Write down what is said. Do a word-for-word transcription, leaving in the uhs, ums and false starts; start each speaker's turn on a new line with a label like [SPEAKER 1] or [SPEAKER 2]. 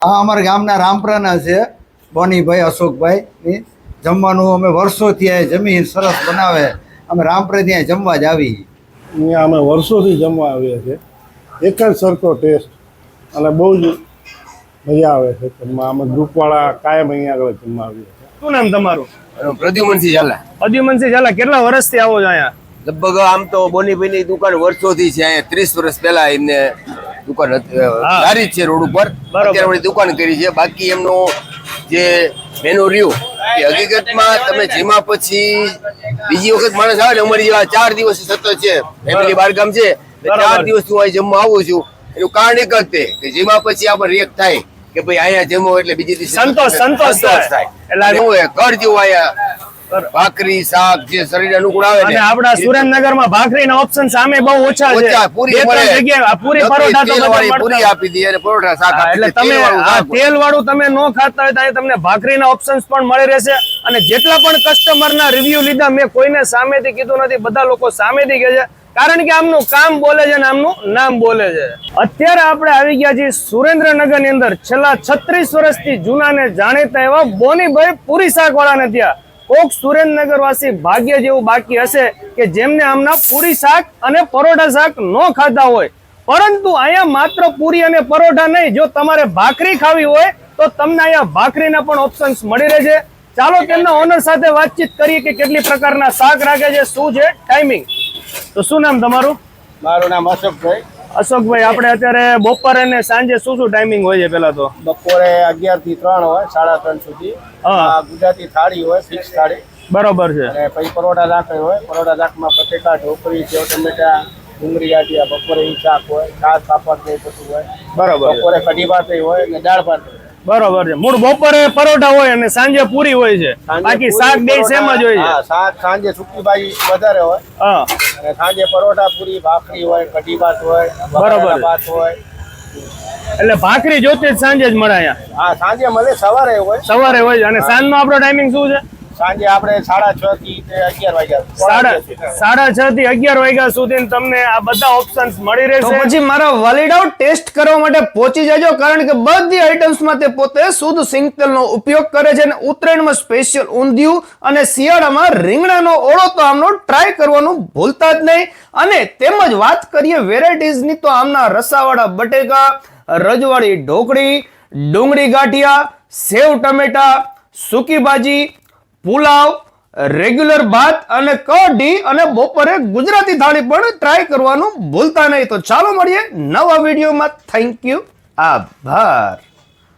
[SPEAKER 1] આ અમારા ગામના રામપરાના છે બોનીભાઈ અશોકભાઈ જમવાનું અમે વર્ષોથી આ જમીન સરસ બનાવે અમે રામપરા ત્યાં જમવા જ આવી
[SPEAKER 2] અહીંયા અમે વર્ષોથી જમવા આવીએ છીએ એક જ સરખો ટેસ્ટ અને બહુ જ મજા આવે છે જમવા અમે ગ્રુપવાળા કાયમ અહીંયા આગળ જમવા આવીએ છીએ.
[SPEAKER 3] શું નામ તમારું?
[SPEAKER 4] પ્રદ્યુમનસિંહ ઝાલા.
[SPEAKER 3] પ્રદ્યુમનસિંહ ઝાલા, કેટલા વર્ષથી આવો છો અહીંયા?
[SPEAKER 4] લગભગ આમ તો બોનીભાઈની દુકાન વર્ષોથી છે અહીંયા. ત્રીસ વર્ષ પહેલા એમને દુકાન સારી જ છે રોડ ઉપર. અત્યારે વળી દુકાન કરી છે. બાકી એમનો જે મેનુ રહ્યું એ હકીકતમાં તમે જેમાં પછી બીજી વખત માણસ આવે ને અમારી જેવા ચાર દિવસ સતત છે ફેમિલી બારગામ છે ચાર દિવસ હું અહીં જમવા આવું છું એનું કારણ એક જ તે કે જેમાં પછી આપણે રિએક્ટ થાય કે ભાઈ અહીંયા જમો એટલે બીજી દિવસે
[SPEAKER 3] સંતોષ સંતોષ
[SPEAKER 4] થાય એટલે હું ઘર જેવું અહીંયા ભાખરી શાક જે શરીર અનુકૂળ આવે
[SPEAKER 3] અને આપણા સુરેન્દ્રનગરમાં ભાખરીના ઓપ્શન સામે બહુ ઓછા છે.
[SPEAKER 4] પૂરી મળે,
[SPEAKER 3] પૂરી પરોઠા તો બધા
[SPEAKER 4] પૂરી આપી દે અને પરોઠા શાક આપી દે.
[SPEAKER 3] એટલે તમે તેલ વાળું તમે ન ખાતા હોય તો તમને ભાખરીના ઓપ્શન્સ પણ મળી રહેશે. અને જેટલા પણ કસ્ટમરના રિવ્યુ લીધા મેં કોઈને સામેથી કીધું નથી, બધા લોકો સામેથી કહે છે કારણ કે આમનું કામ બોલે છે અને આમનું નામ બોલે છે. અત્યારે આપણે આવી ગયા છીએ સુરેન્દ્રનગર ની અંદર છેલ્લા છત્રીસ વર્ષથી જૂના ને જાણીતા એવા બોનીભાઈ પૂરી શાક વાળાને ત્યાં કોક સુરેન્દ્રનગર વાસી ભાગ્ય જેવું બાકી હશે કે જેમને આમના પૂરી શાક અને પરોઠા શાક ન ખાતા હોય. પરંતુ અહીંયા માત્ર પૂરી અને પરોઠા નહીં, જો તમારે ભાખરી ખાવી હોય તો તમને અહીંયા ભાખરીના પણ ઓપ્શન્સ મળી રહે છે. ચાલો તેમના ઓનર સાથે વાતચીત કરીએ કે કેટલી પ્રકારના શાક રાખે છે, શું છે ટાઈમિંગ. તો શું નામ તમારું?
[SPEAKER 2] મારું નામ અશોકભાઈ.
[SPEAKER 3] અશોકભાઈ, આપણે અત્યારે બપોરે અને સાંજે શું શું ટાઈમિંગ હોય છે? પેલા તો
[SPEAKER 2] બપોરે અગિયાર થી ત્રણ હોય, સાડા ત્રણ સુધી ગુજરાતી થાળી હોય, ફિક્સ થાળી.
[SPEAKER 3] બરોબર છે.
[SPEAKER 2] અને પછી પરોઠા શાક હોય, પરોઠા શાકમાં બટેકા, ઢોકળી, સેવ ટમેટા, ડુંગળી ગાંઠિયા, બપોરે ઈ શાક હોય, છાશ પાપડ ને બધું હોય. બરોબર. બપોરે કઢી ભાત હોય અને દાળ ભાત હોય.
[SPEAKER 3] બરોબર છે. મૂળ બપોરે પરોઠા હોય અને સાંજે પૂરી હોય છે, બાકી શાક બે સેમ જ હોય છે.
[SPEAKER 2] શાક સાંજે સુકી ભાજી વધારે હોય
[SPEAKER 3] હા,
[SPEAKER 2] અને સાંજે પરોઠા, પૂરી, ભાખરી હોય, કઢી ભાત હોય,
[SPEAKER 3] બરોબર
[SPEAKER 2] ભાત હોય.
[SPEAKER 3] એટલે ભાખરી જોતી જ સાંજે જ મળે અહીંયા?
[SPEAKER 2] હા, સાંજે મળે, સવારે હોય.
[SPEAKER 3] સવારે હોય. અને સાંજનો આપણો ટાઈમિંગ શું છે?
[SPEAKER 2] સાંજે આપણે સાડા છ થી અગિયાર વાગ્યા
[SPEAKER 3] સાડા સાડા છ થી અગિયાર વાગ્યા સુધી તમને આ બધા ઓપ્શન્સ મળી રહેશે. પછી મારા વાલીડાઓ ટેસ્ટ કરવા માટે પહોંચી જજો, કારણ કે બધી આઈટમ્સમાં તે પોતે શુદ્ધ સિંગતેલનો ઉપયોગ કરે છે. અને ઉત્તરાયણમાં સ્પેશિયલ ઊંધિયું અને શિયાળામાં રીંગણાનો ઓળો તો આમનો ટ્રાય કરવાનું ભૂલતા જ નહીં. અને તેમજ વાત કરીએ વેરાયટીઝની તો આમના રસાવાળા બટેકા, રજવાડી ઢોકળી, ડુંગળી ગાંઠિયા, સેવ ટમેટા, સૂકી ભાજી, પુલાવ, રેગ્યુલર ભાત અને કઢી અને બપોરે ગુજરાતી થાળી પણ ટ્રાય કરવાનું ભૂલતા નહીં. તો ચાલો મળીએ નવા વિડીયોમાં. થેન્ક યુ, આભાર.